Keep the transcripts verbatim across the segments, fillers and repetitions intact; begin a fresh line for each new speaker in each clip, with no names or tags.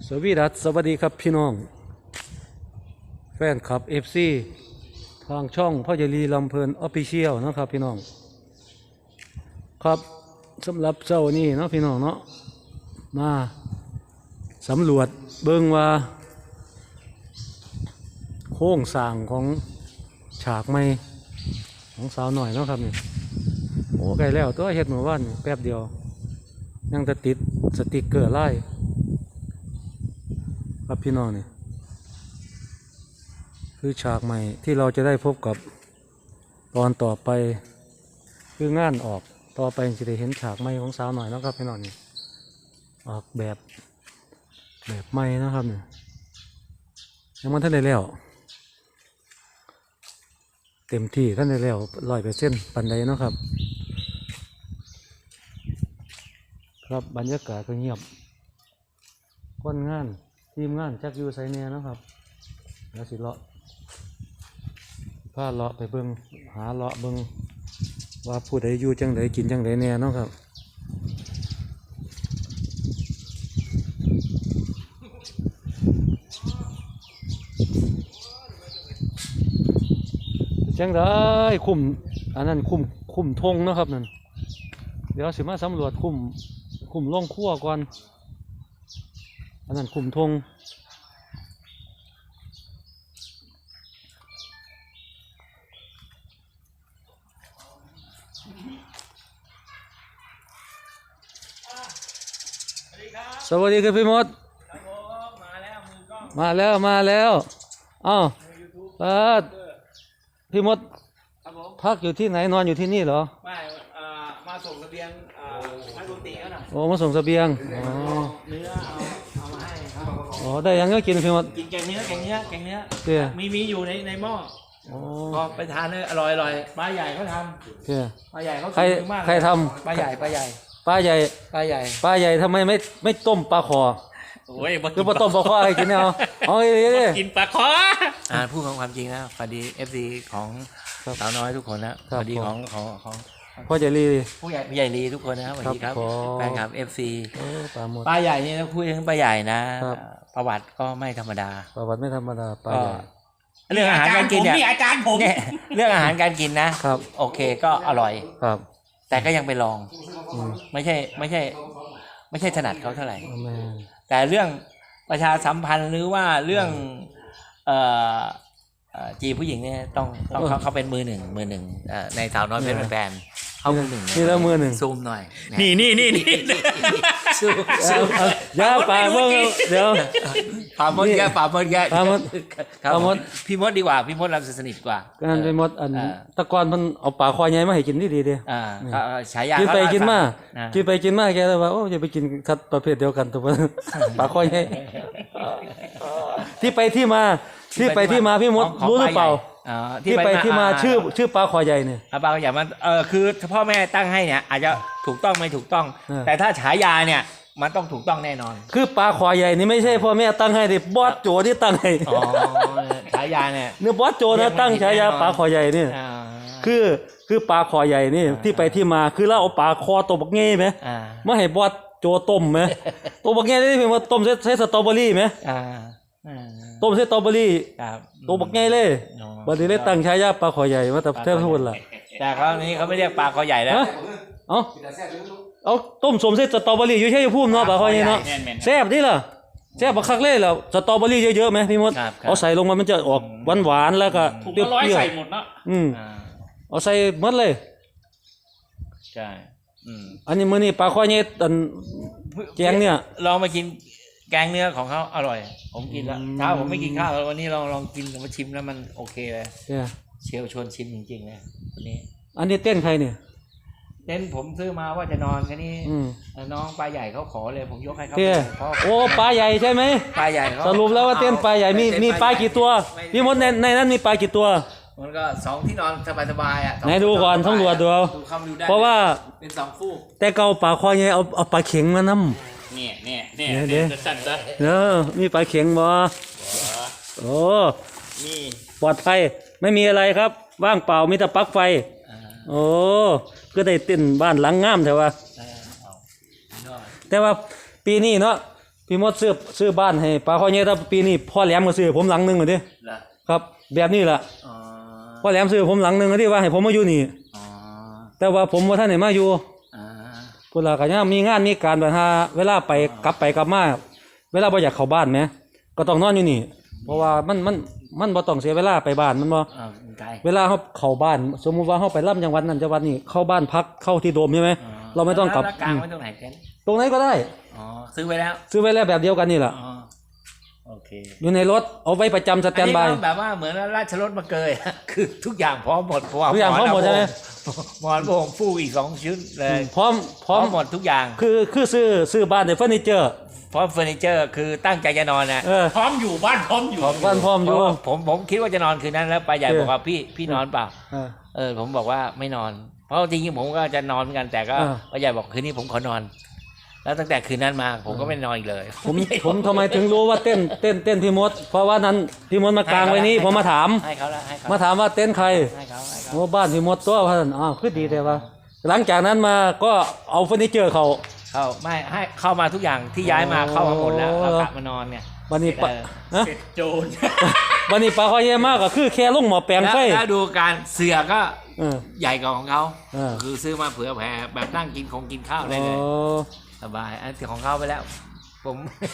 สวีดัสสวัสดีครับพี่น้องแฟนคลับ เอฟ ซี ทางช่องพ่อใหญ่ลีลำเพลินออฟฟิเชียลนะครับพี่น้องครับสำหรับเจ้านี่เนาะพี่น้องเนาะมาสำรวจเบิ่งว่าโครงสร้างของฉากไม้ของสาวหน่อยเนาะครับนี่โอ้ไกลแล้วตัวเฮ็ดเมื่อวานแป๊บเดียวยังจะติดสติกเกอร์ไล่ครับพี่น้องนี่คือฉากใหม่ที่เราจะได้พบกับตอนต่อไปคืองานออกต่อไปจะได้เห็นฉากใหม่ของสาวหน่อยนะครับพี่น้องนี่ออกแบบแบบใหม่นะครับนี่ยังมันท่านได้แล้วเต็มที่ท่านได้แล้วร้อยเปอร์เซ็นต์ปันใดเนาะครับครับบรรยากาศก็เงียบคนงานทีมงานจักอยู่ไซเนียนะครับแล้วสิเลาะพาเลาะไปเบิ่งหาเลาะเบิ่งว่าผู้ใดอยู่จังใดกินจังใดเนี่ยเนาะครับจังได้คุมอันนั้นคุมคุมธงนะครับนั่นเดี๋ยวสิมาสำรวจคุมคุมล่องขั้วก่อนอันนั้นคุมธงสวัสดีครับพี่มดมาแล้วมาแล้วอ้าวเออพี่มดพักอยู่ที่ไหนนอนอยู่ที่นี่เหรอ
ไม่มาส่งเสบียงนักดนตรีเขาหน่อย
โอ้มาส่งเสบียงอ๋อ
เนื้อเอาเอามาให้ครับ
อ๋อได้ยังก็กินพี่มด
กินแกงเนื้อแกงเนื้อแกงเนื้อ
เตี้ย
มีมีอยู่ในในหม้อพอไปทานเลยอร่อยอร่อยปลาใหญ่เขาทำเตี้ยปลาใหญ่เขา
ใครใครท
ำปลาใหญ่ปลาใหญ่
ปลาใหญ่
ปลาใหญ่
ปลาใหญ่ทำไมไม่ไม่ต้มปลาคอ
โอ้ย
คือมาต้มปลาคอให้กินเนี่ยเอาเอา
กินปลาคออ่าพูดความจริงนะพอดีเอฟซีของสาวน้อยทุกคนนะพอดีของของของ
พ่อใหญ่ลี
ผู้ใหญ่ผู้ใหญ่ลีทุกคนนะสวัสดีครับแฟนคลับเอฟซี
ปลาหมด
ปลาใหญ่เนี่ยคุยถึงปลาใหญ่นะประวัติก็ไม่ธรรมดา
ประวัติไม่ธรรมดาปลาใหญ่
เรื่องอาหารการกินเนี่ยอาจารย์ผมเนี่ยเรื่องอาหารการกินนะครับโอเคก็อร่อย
ครับ
แต่ก็ยังไปลองไม่ใช่ไม่ใช่ไม่ใช่ถนัดเขาเท่าไหร่แต่เรื่องประชาสัมพันธ์หรือว่าเรื่องเอ่อจีผู้หญิงเนี่ยต้องต้องเขาเขาเป็นมือหนึ่งมือหนึ่งในสาวน้อยเป็นแฟนเขามือหนึ่ง
นี่แล้วมือหนึ่ง
ซูมหน่อยนี่นี่นี่นี่
ซูมซูมย่าปลาเมื่อเดี๋ยว
ปลาหมดแกปลาหมดแก
ปลาหมด
ปลาหมดพี่มดดีกว่าพี่มดเราสนิทกว่า
การไปมดอันตะกอนมันเอาปลาคอยใหญ่มาให้กินดีดีดี
อ่าฉายา
กินไปกินมากินไปกินมาแกเลยว่าโอ้จะไปกินสัตว์ประเภทเดียวกันตัวปลาคอยใหญ่ที่ไปที่มาที่ไปที่มาพี่มดรู้หรือเปล่าที่ไปที่มาชื่อชื่อปลาคอใหญ่เนี่ย
ปลาคอใหญ่มันเออคือพ่อแม่ตั้งให้เนี่ยอาจจะถูกต้องไม่ถูกต้องแต่ถ้าฉายาเนี่ยมันต้องถูกต้องแน่นอน
คือปลาคอใหญ่นี่ไม่ใช่พ่อแม่ตั้งให้ดิบอสโจที่ตั้งให้
อ๋อฉายาเนี่ย
เนื้อบอสโจนะตั้งฉายาปลาคอใหญ่นี่คือคือปลาคอใหญ่นี่ที่ไปที่มาคือเราเอาปลาคอตัวบักเง่ไหมมาให้บอสโจต้มไหมตัวบักเง่ได้เพียงว่าต้มใช้สตรอเบอรี่ไหมต้มใส่สตรอเบอรี่ตัวบักใหญ่เลยบัดนี้เลยตั้งฉายาปลาคอใหญ่มาแต่แทบทุกคนล่ะ
แต่คราวนี้เขาไม่เรียกปลาคอใหญ่แล้ว
เอ้าเอาต้มสมใส่สตรอเบอรี่อยู่ใช่พุ่มเนาะปลาคอใหญ่เนาะแซ่บนี่ล่ะแซ่บบักคักเลยแล้วสตรอเบอรี่เยอะๆไหมพี่มดเอาใส่ลงมามันจะออกหวานๆแล้วก็
เปรี้ยวๆใส่หมดเนาะ
อืมเอาใส่หมดเลย
ใช่
อันนี้มื้อนี้ปลาคอใหญ่อันแกงเนี่ย
ลองมากินแกงเนื้อของเขาอร่อยผมกินแล้วเช้าผมไม่กินข้าวแล้ววันนี้ลองลองกินมาชิมแล้วมันโอเคเลยเชลชวนชิมจริงๆเลยวันนี้
อันนี้เต้นใครเนี่ย
เต้นผมซื้อมาว่าจะนอนแค่นี้น้องปลาใหญ่เขาขอเลยผมยกให้เขา
โอ้ปลาใหญ่ใช่ไหม
ปลาใหญ่
สรุปแล้วว่าเต้นปลาใหญ่มีมีปลากี่ตัวพี่มดในในนั้นมีปลากี่ตัว
มันก็สองที่นอนสบายๆอ่ะ
ไหนดูก่อนต้องดูดูเอาเพราะว่า
เป็นสองฟูก
แต่เก่าปลาคอใหญ่เอาเอาปลาเข็งมานำ
เนี่ยเนี่ยเนี่ยเดี๋ยวสั่นซะ
เออมีปลาเข็งบ่โอ้
นี่
ปลอดภัยไม่มีอะไรครับว่างเปล่ามีแต่ปลั๊กไฟโอ้ก็ได้เต้นบ้านหลังงามแต่ว่าแต่ว่าปีนี้เนาะพี่มดซื้อซื้อบ้านให้ปลาคอใหญ่แต่ปีนี้พ่อแหลมก็ซื้อผมหลังนึงเหมือนดิ
เหรอ
ครับแบบนี้ล่ะ
อ๋อ
พ่อแหลมซื้อผมหลังนึงที่ว่าให้ผมมาอยู่นี่
อ๋อ
แต่ว่าผมบ่ทันได้มาอยู่
อ่า
พุ่นล่ะก็ยังมีงานมีการแบบหาเวลาไปกลับไปกลับมาเวลาบ่อยากเข้าบ้านแหมก็ต้องนอนอยู่นี่ เพราะว่ามันมันมันบ่ต้องเสียเวลาไปบ้านมันบ่
อ่าไกล
เวลาเฮาเข้าบ้านสมมุติว่าเฮาไปล่ำจังหวัดนั้นจังหวัดนี้เข้าบ้านพักเข้าที่โดมใช่ไหมเราไม่ต้องกลับ
แล้วกลางไว้ตรงไหนเต็นท์
ตรงไหนก็ได้
อ๋อซื้อไว้แล้ว
ซื้อไว้แล้วแบบเดียวกันนี่ล่ะ
อ๋อโอเค
อยู่ในรถเอาไว้ประจำสแตนบาย
อัก็แบบว่าเหมือนราชรถมาเกย คือทุกอย่างพร้อมหมดเพราะว่า
ทุกอย่างพร้อมหมดใช่ไหม
หมอนโบงฟูกอีกสองชุดเลย
พร้อมพ
พ
ร้
ร้
อ
อ
ม
มหมดทุกอย่าง
คือคือซื้อซื้อบ้านในเฟอร์นิเจอร์
พร้อมเฟอร์นิเจอร์คือตั้งใจจะนอนนะ
เออ
พร้อมอยู่บ้านพร้อมอยู่
บ้านพร้อมอ
เพ
ยู่
ราะว่าผมผมคิดว่าจะนอนคืนนั้นแล้วปลาใหญ่
เออ
บอกว่าพี่พี่นอนเปล่า
เออ
เออผมบอกว่าไม่นอน เพราะจริงๆผมก็จะนอนเหมือนกันแต่ก็
เออ
ปลาใหญ่บอกคืนนี้ผมขอนอน แล้วตั้งแต่คืนนั้นมาผมก็ไม่นอนอีกเลย
ผมผมทำไมถึงรู้ว่าเต้นเต้นเต้นพี่มด เพราะว่านั้นพี่มดมากางไว้นี้ผมมาถาม
ให้เขาละให้เขา
มาถามว่าเต้นใคร
ให้เขาให้เขา
โอ้บ้านพี่มดตัวพันอ้าวคือดีแต่ว่าหลังจากนั้นมาก็เอาเฟอร์นิเจอร์เขา
เข้าไม่ให้เข้ามาทุกอย่างที่ย้ายมา
โอ้
เข้ามาหมดแล้วเรากลับมานอนเนี่ย
วันนี้ปะ
เออ
ฮะ
เสร็จโจร
วันนี้ปลาคอยเยอะมากก็คือแค่ลงหมอแปลง
แล้ว
ไฟ
แล้วดูการเสือก็
เออ
ใหญ่กว่าของเขา
เออ
คือซื้อมาเผื่อแผ่แบบนั่งกินของกินข้าวได้เลย
โอ้
สบายอันที่ของเขาไปแล้ว ผม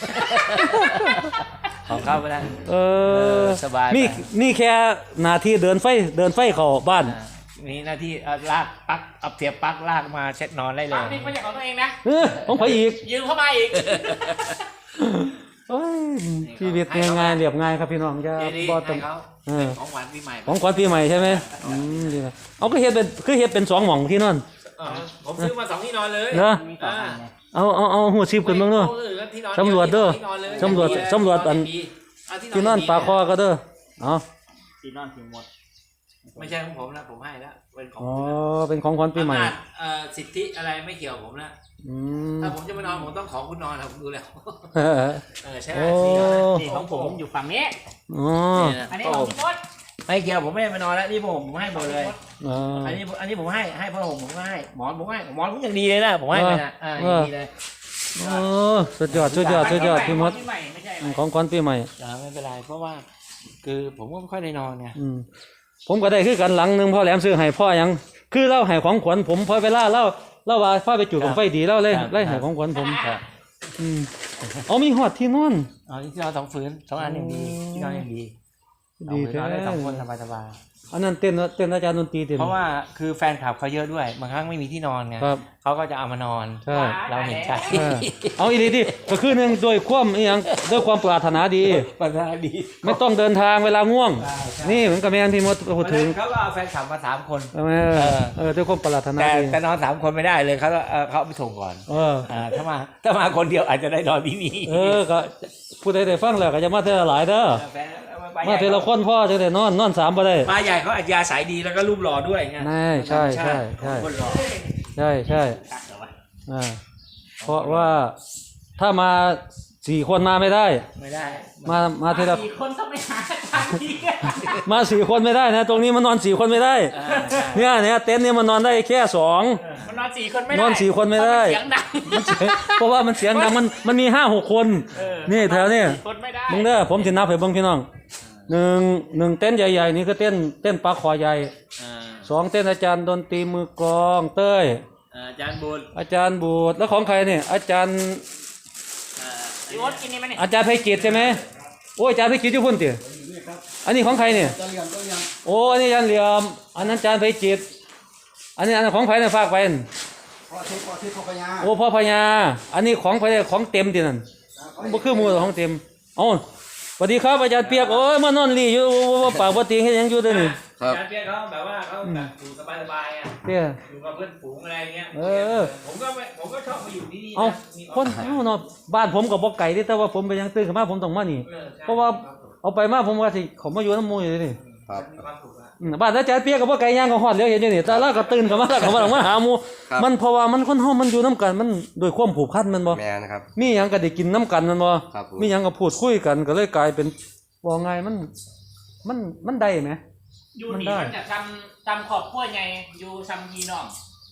ของเขาไปแล้ว
เออ
สบายไป
นี่นี่แค่หนาทีเดินไฟเดินไฟเข้าบ้าน
อ่ามีหน้าที่เอาลากปลั๊กเอาเสียบปลั๊กลากมาเช็ดนอนได้เล
ปั
ย
กนี่ไม่ใช่ของตัวเองนะ
เออของไผอีก
ยืมเข้ามาอีก
โอ้ยชีวิตง่ายๆเรียบง่ายครับพี่น้องจะ
เจดี
บ่
ให้
ต้อง
เขา
เออ
ของขวัญปีใหม่
ของขวัญปีใหม่ใช่ไหมอืมดีนะเอาก็เฮ็ดเป็นคือเฮ็ดเป็นสองหม่องที่นอน
เออผมซื้อมาสองที่นอนเลย
เหรอ
อ่า
เอาเอาเอาหัวซิบกันบ้างเนาะ
ออที่นอน
สำรวจเด้อ
ที่นอนเลย
สำรวจ
ที่
สำรวจอัน
เอา
ที่นอนปลาคอก็เด้อเอา
ตีนอนถึงหมด
ไม่ใช่ของผมนะผมให้แล้วเป็นของ
อ๋อเป็นของขวัญปีใหม่
อำนาจเอ่อสิทธิอะไรไม่เกี่ยวกับผมนะ
อืม
ถ้าผมจะมานอนผมต้องขอคุณนอนนะผมดูแล้ว
เออ
เออใช่
โอ้
สี่นอนนะ
นี่ของผมอยู่ฝั่งนี้
อ๋อ
นี่นะ
อันนี้
ผ้า
ขอ
ห่
ง
ม
พี่มด
ไม่เกี่ยวผมไม่ได้มานอนแล้วนี่ผมผมให้หมดเลย
อ๋อ
อันนี้อันนี้ผมให้ให้ผ้าห่มผมก็ให้หมอนผมให้หมอนผมอย่างดีเลยนะผมให้ไปนะอ่าอย่างดีเลย
โอ้สุดยอดสุดยอดสุดยอดพี่มด
ของใหม่ไม่ใช่อะไร
ของขวัญปีใหม่
อ่าไม่เป็นไรเพราะว่า คือผมก็ไม่ค่อยได้นอนไง
อืมผมก็ได้คือกันหลังหนึงพ่อแหลมซื้อให้พ่อหยังคือเล่าให้ของขวัญผมพอเวลาเล่าเล่าว่าพ่อไปจุดของไฟดีเล่าเลยไล่ให้ของขวัญผม
ครับ
อืมเอามีหอดที่นอน
อ๋อที่นอนสองฝืนสองอันยังดีที่นอนยังดี
ดี
เอาไป
แท้
นอนได้สองคนสบายสบาย
อันนั้นเต้นเต้นอาจารย์ดนตรีเต้น
เพราะว่าคือแฟนคลับเขาเยอะด้วยบางครั้งไม่มีที่นอนไง
ครับ
เขาก็จะเอามานอน
ใช่
เราเห็นใจ
เออเอาอีหลีดิก็คือหนึ่งโดวยความอหยังด้วยความปรารถนาดี
ปัญหาดี
ไม่ต้องเดินทางเวลาง่วง นี่เหมือนกับแม่นพี่มดพูดถึง
เขาก็เอาแฟนคลับมาสามคน
ใช่ไหม
เออ
เออด้วยความปรารถนา
แต่
ดี
แต่นอนสามคนไม่ได้เลยเขาเอ่อเขาเอาไปส่งก่อน
เออ
อ่าถ้ามาถ้ามาคนเดียวอาจจะได้นอนที่นี่
เออก็ผู้ใดได้ฟังแล้วก็จะมาเทอละหลายเด้อ
แฟนป
มาเทอละคนพ่อจะได้นอนนอนสามบ่ได้
ปลาใหญ่เขาอาจจะอาศัยดีแล้วก็รูปหล่อด้วยไง
แน่ใช่ใช่ใช่
คนหล่อ
ใช่ใช่
ตัดเหรอวะ
อ่าเพราะว่าถ้ามาสี่คนมาไม่ได้
ไม่ได้
มามาเทอละ
สี่คนต้องไปหาทางที่
มาสี่คนไม่ได้นะ ตรงนี้มันนอนสี่คนไม่ได้
อ่าใช่
เนี่ยเนี่ยเต็นท์เนี่ยมันนอนได้แค่สอง
มันนอนสี่คนไม่ได้
นอนสี่คนไม่ได้
เสียงดัง
เพราะว่ามันเสียงดังมันมันมีห้าหกคน
เออ
นี่แถวนี้
สี่คนไม่ได้
มึงเด้อผมสินับให้เบิ่งพี่น้องหนึ่งหนึ่งเต้นท์ใหญ่ๆนี่คือเต้นเต้นปลาคอใหญ่
อ่า
สองเต้นอาจารย์ดนตรีมือกลองเต้ย
อ่าอาจารย์บุญ
อาจารย์บูดแล้วของใครเนี่ยอาจารย์
อ่า
พี่มดกินนี่ไหมเนี่ย
อาจารย์ไพจิตรใช่ไหมโอ้ยอาจารย์ไพจิตรอยู่พุ่นติอันนี้ของใครเนี่ยโอ้อันนี้อาจารย์เหลี่ยมอันนั้นอาจารย์ไพจิตรอันนี้อันนั้นของไผเนี่ยฝากไปนั่น
พ่อทิพย์พ่อทิพย์พ่อพญา
โอ้พ่อพญาอันนี้ของไผเนี่ยของเต็มตินั่นบ่คือหมู่ของเต็มเอ้าสวัสดีครับอาจารย์เปียกโอ้ยมานอนรีอยู่บ่ปากบ่ติงเฮ็ดหยังอยู่เด้อนี่
อาจารย์เปียกเขาแบบว่าเขาแบบอยู่สบายๆอ่ะ
เด้อ
อยู่กับเพื่อนฝูงอะไรเงี้ย
เออ
ผมก็ไม่ผมก็ชอบมาอยู่ที่นี่
เอ้า
นะมี
คนเอ้าเนาะบ้านผมก็บ่ไกลเด้แต่ว่าผมไปยังตื่นขึ้นมาผมต้องมานี่
ออใช่
เพราะว่าเอาไปมาผมว่าสิเขามาอยู่น้ำหมู่อยู่นี่
ครับ
มีความสุขอะ
อืมบ้านอาจารย์เปียกก็บ่ไกลย่างก็ฮอดแล้วเห็นอยู่นี่แต่ละก็ตื่นขึ้นมาแล้วก็มามาหาหมู่
ครับ
มันเพราะว่ามันคนเฮามันอยู่นํกันมันด้วยความผูกพันแมันบ่
แมนนะครับ
มีหยังก็ได้กินนํกันแมันบ่
ครับผม
มีหยังก็พูดคุยกันก็เลยกลายเป็นว่าไงมันมันมันได้ไหม
อยู่
มัน
นี่
ได้
มันจะทำทำขอบขั้วไงอยู่ซัมยีน้อง
อ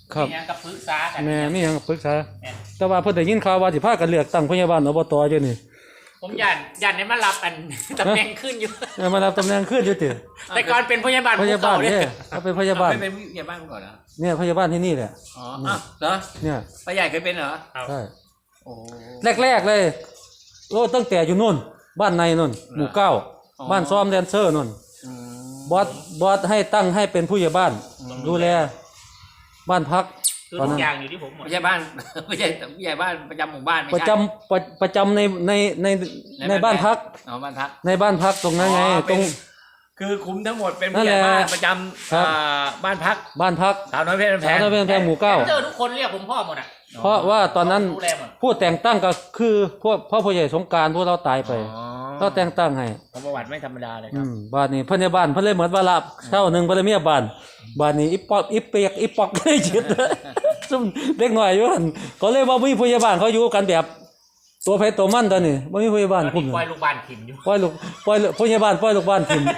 ครับ
มีหยังกับปรึกษากัน
แม่มีหยังปรึกษา
แม่น
แต่ว่าเพิ่นได้ยินข่าวว่าสิพากันเลือกตั้งพยาบาลอบตอยู่นี่
ผมยันยันให้มารับอัน ตำแหน่งขึ้นอยู่
เออมารับตำแหน่งขึ้นอยู่ติ
แต่ก่อนเป็นพยาบาล
พยาบาล
ภูเข
เนี่ย
เนี่ย
เขาเป็นพยาบาล
ไม่เป็นผู้ใหญ่บ้านก่อนเหรอ
เนี่ยพยาบาลที่นี่แหละ
อ๋ออ้าวเหรอ
เนี่ย
ป้าใหญ่เคยเป็นเหรอ
ใช่
โอ้
แรกๆเลยโอ้ตั้งแต่อยู่นู่นบ้านในนู่นหมู่เก้าบ้านซ้อมแดนเซอร์นู่น
อืม
บอสบอสให้ตั้งให้เป็นผู้ใหญ่บ้าน ดูแลบ้านพัก
คือ
ตอน
ทุ
นั้
ก
น
อย่างอยู่ที่ผมหมด
ไม่ใช่บ้าน ไม่ใช่ผู้ใหญ่บ้านประจำหมู่บ้านไม่
ประ
ใช่
จำประประจำในในในในบ้านพัก
อ๋อบ้านพัก
ในบ้านพักตรงนั้นไง
อ๋อ
ตรง
เป็น คือคุมทั้งหมดเป็น
นั่
ผู้
น
ใหญ่
แหละ
บ้านประจำ
ครับ
อ่าบ้านพัก
บ้านพัก
สาวน้อยเพชรแพ
สาว
ง
ตะเวนแพงหมู่เก้า
เจอทุกคนเรียกผมพ่อหมดอ่ะ
เพราะว่าตอนนั้น
ดูแลหมด
ผู้แต่งตั้งก็คือพวกพ่อผู้ใหญ่สงกรารพวกเราตายไป
อ๋อ
เราแต่งตั้งให้
ประวัติไม่ธรรมดาเลยค
อื
รับ
มบ้านนี้เพิ่นในบ้านเพิ่นเลยเหมือนว่าละเช่าหนึงเพิ่นเลยเมียบ้านบ้านนี้อีปอกอีเปียกอีปอกได้จิตซุ่มเด็กน้อยอยู่หั่นก็เลยว่ามีผู้ใหญ่บ้านเขาอยู่กันแบบ ตัวไผตัวมันตอนนี้บ่มีผู้ใหญ่บ้าน
ตอน
คุม
นี้
อยู่
ปล่อยลูกบ้านถิ่นอยู่
ปล่อยลูกปล่อยลูกผู้ใหญ่บ้านปล่อยลูกบ้านทิ่ม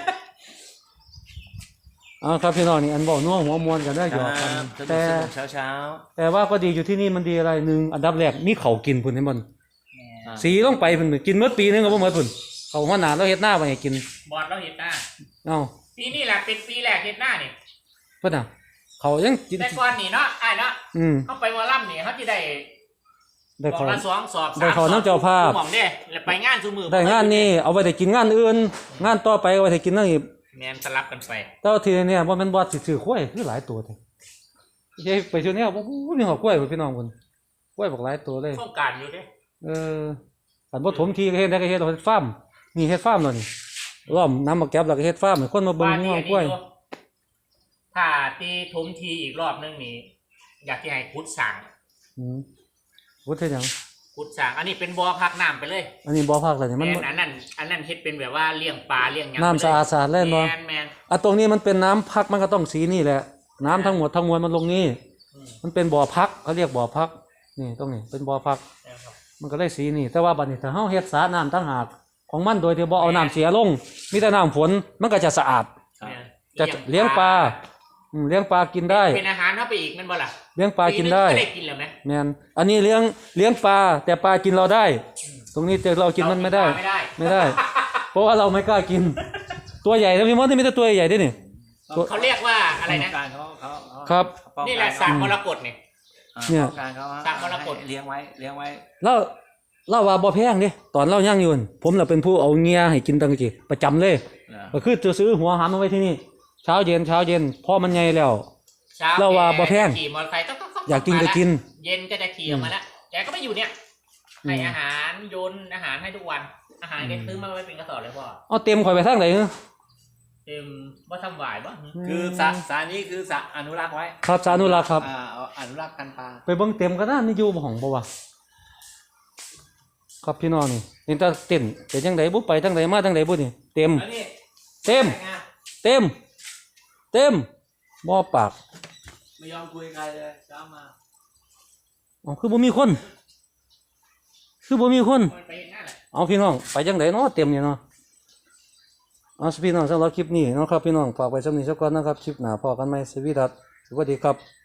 เอาครับพี่น้องนี่อันเว้านัวหัวมวนกันได้หยอกกัน
ครับสนุ
แต่
กสนุกเช้าเช้า
แต่ว่าก็ดีอยู่ที่นี่มันดีอะไรหนึ่งอันดับแรกมีเขาวกินพุ่นให้มัน
อ่า
สีลงไปพุ่นกินเมื่อปีนึงก็บ่หมดพุ่นเขามาหนาเราเฮ็ดหน้าไว้ให้กิน
บอดเราเห็นหน้า
เอ้า
ปีนี้แหละเป็นปีแรกเห็นหน้านี่
เพิ่นน่ะเขายังกิน
แต่ก่อนนี่เนาะไอ้ายเนาะ
อืม
เขาไปวอลลัมนี่เขาจะได้
ได้
บอ
เขา
กละสองสอบสาม
ได้เขา
สอบ
น้ำเจ้าภาพ
หม่องเด้แล้วไปงานซูมือ
ได้งานนี้เอาไว้ได้กินงานอื่น งานต่อไปเอาไว้ได้กินนั่นอีก
แมนสลับกันไป
แต่ว่าทีนี้บ่แม่นบ่สิซื้อข้วยคือหลายตัวแท้ยายไปช่วงนี้บ่บ่มีหอกล้วยพุ่นพี่น้องพุ่นกล้วยบักหลายตัวเลย
โครงการอยู่เด้
เอออันบ่ถมทีก็เฮ็ดได้ก็เฮ็ดเอาเฮ็ดฟาร์มนี่เฮ็ดฟาร์มแล้วนี่ล้อมน้ำมาแก็บแล้วก็เฮ็ดฟาร์มให้คนมาเบิ่ง
บ้าน
งั
นี้
ว
อัน
กล้วย
นี้อยู่ถ้าตีถมทีอีกรอบนึงนี่อยากที่ให้ขุดสร้าง
อืมวุฒิเฮ็ดหยัง
ขุดสร้างอันนี้เป็นบ่อพักน้ำไปเลย
อันนี้บ่พักแล้วนี่
แม
มัน
นอันนั้นอันนั้นเฮ็ดเป็นแบบว่าเลี้ยงปลาเลี้ยงหยัง
น้ำสะอาดสะอาดเล่นบ่
แมนแมน
อ่ะตรงนี้มันเป็นน้ำพักมันก็ต้องสีนี่แหละ น้ำทั้งหมดทั้งมวลมันลงนี่
อืม
มันเป็นบ่อพักเขาเรียกบ่อพัก นี่ตรงนี้เป็นบ่อพัก
นะครับ
มันก็ได้สีนี่ แต่ว่าบัดนี้ถ้าเฮาเฮ็ดสระน้ำต่างหากของมันโดยที่บ่เอาน้ำเสียลง มีแต่น้ำฝนมันก็จะสะอาด
แม่น
จะเลี้ยงปลาอืมเลี้ยงปลากินได้
เป็นอาหารเข้าไปอีกแมันบ่ล่ะ
เลี้ยงปลากินได้
ปีงก็ได้กินแล้วไหม
แม่นอันนี้เลี้ยงเลี้ยงปลาแต่ปลากินเราได้ ตรงนี้แต่เรากินมันไม่ได้
ไม่ได้
ไม่ได้ เพราะว่าเราไม่กล้ากิน ตัวใหญ่นะพี่มดนี่มีแต่ตัวใหญ่ด้วยนี่ ตัว
เขาเรียกว่าอะไรนะ
การเขาเขาเขา
ครับ
ป้องกั
นี่แหละสากมรกตเนี่ย
อ่า
เนี่ย
ป้องกันเขา
สร้างมรกต
ให้เลี้ยงไว้เลี้ยงไว้
เราเราว่าบ่แพงเด้ตอนเราย่างอยู่นั่นผมน่ะเป็นผู้เอาเงียให้กินตั้งกี่ประจำเลย
นะ
ก็คือจะซื้อหัวหามมาไว้ที่นี่ เช้าเย็นเช้าเย็นพอมันใหญ่แล้ว
เช้า
เราว่าบ่แพง
ขี่มอเตอร์ไซค์ก็
อยากกินก็กิน
เย็นก็จะขี่ออกมาแล้วแกก็ไม่อยู่เนี่ย
อืม
ให้อาหารโยนอาหารให้ทุกวัน อาหารแกซื้อมาไว้เป็นกระสอบเลยพ่อ
เอาเต็มข่อยไปทางไหน
เต็มว่าทำหวายบ่
คือสระสระนี้คือสระอนุรักษ์ไว้
ครับสานุรักษ์ครับ
อ่าเอาอนุรักษ์กันปลา
ไปเบิ่งเต็มก็น่านี่อยู่บ่ห้องบ่วะครับพี่น้องนี่เห็นแต่เต็มเป็นจังไดบ่ไปทางใดมาทางใดบ่นี่เต็ม
แล้วนี่
เต็ม
ไง
เต็ม เต็มบ่ปาก
ไม่ยอมคุยใครเลยเช้ามา
อ๋อคือบ่มีคน คือบ่มีคน
มันไปเห็นหน้าแหละ
เอาพี่น้องไปจังไดเนาะเต็มอยู่เนาะเอาพี่น้องสำหรับคลิปนี้เนาะครับพี่น้องฝากไว้สำนี้สักก่อนนะครับคลิปหน้าพอกันใหม่สวัสดีครับสวัสดีครับ